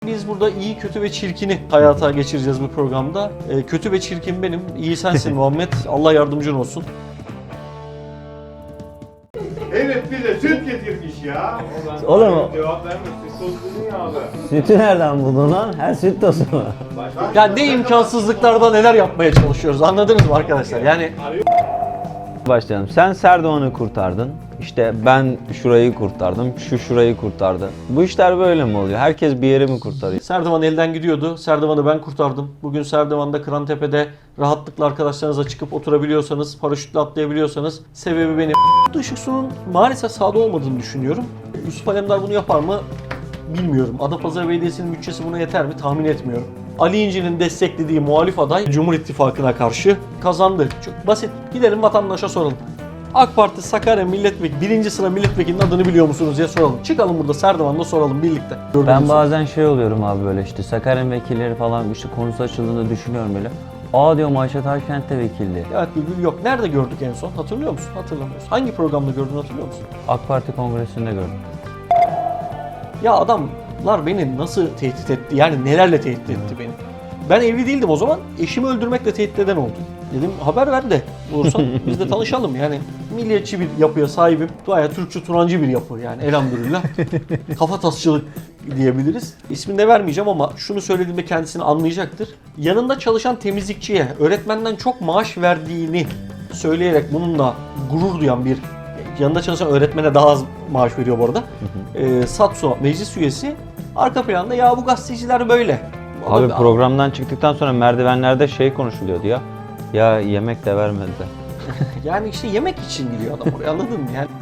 Biz burada iyi, kötü ve çirkini hayata geçireceğiz bu programda. Kötü ve çirkin benim, iyi sensin Muhammed. Allah yardımcın olsun. Evet bize süt getirmiş ya. Oğlum Cevap verme, süt tozunu ya abi. sütü nereden buldun lan? Her süt tozu mu? Ya ne imkansızlıklarda neler yapmaya çalışıyoruz, anladınız mı arkadaşlar? Yani Başlayalım. Sen Serdivan'ı kurtardın. İşte ben şurayı kurtardım, şurayı kurtardı. Bu işler böyle mi oluyor? Herkes bir yeri mi kurtarıyor? Serdivan elden gidiyordu. Serdivan'ı ben kurtardım. Bugün Serdivan'da Kırantepe'de rahatlıkla arkadaşlarınızla çıkıp oturabiliyorsanız, paraşütle atlayabiliyorsanız sebebi benim. Işık Su'nun maalesef sahada olmadığını düşünüyorum. Yusuf Alemdar bunu yapar mı bilmiyorum. Adapazarı Belediyesi'nin bütçesi buna yeter mi tahmin etmiyorum. Ali İnci'nin desteklediği muhalif aday Cumhur İttifakı'na karşı kazandı. Çok basit. Gidelim vatandaşa soralım. AK Parti Sakarya Milletvekili, 1. sıra milletvekilinin adını biliyor musunuz diye soralım. Çıkalım burada Serdivan'da soralım birlikte. Ben bazen şey oluyorum abi böyle işte Sakarya vekilleri falan işte konusu açıldığında düşünüyorum böyle. Aa diyorum Ayşe Taşkent de vekildi. Evet Bülbül yok. Nerede gördük en son? Hatırlıyor musun? Hatırlamıyorsun. Hangi programda gördün hatırlıyor musun? AK Parti kongresinde gördüm. Ya adamlar beni nasıl tehdit etti? Yani nelerle tehdit etti beni? Ben evli değildim o zaman. Eşimi öldürmekle tehdit eden oldu. Dedim haber ver de olursan biz de tanışalım. Yani milliyetçi bir yapıya sahibim. Bayağı Türkçü Turancı bir yapı yani elhamdülillah. Kafatasçılık diyebiliriz. İsmini de vermeyeceğim ama şunu söylediğimde kendisini anlayacaktır. Yanında çalışan temizlikçiye öğretmenden çok maaş verdiğini söyleyerek bununla gurur duyan bir yanında çalışan öğretmene daha az maaş veriyor bu arada. Satso meclis üyesi arka planda ya bu gazeteciler böyle. Abi programdan çıktıktan sonra merdivenlerde şey konuşuluyordu ya. Ya yemek de vermediler. Yani işte yemek için gidiyor adam oraya anladın mı? Yani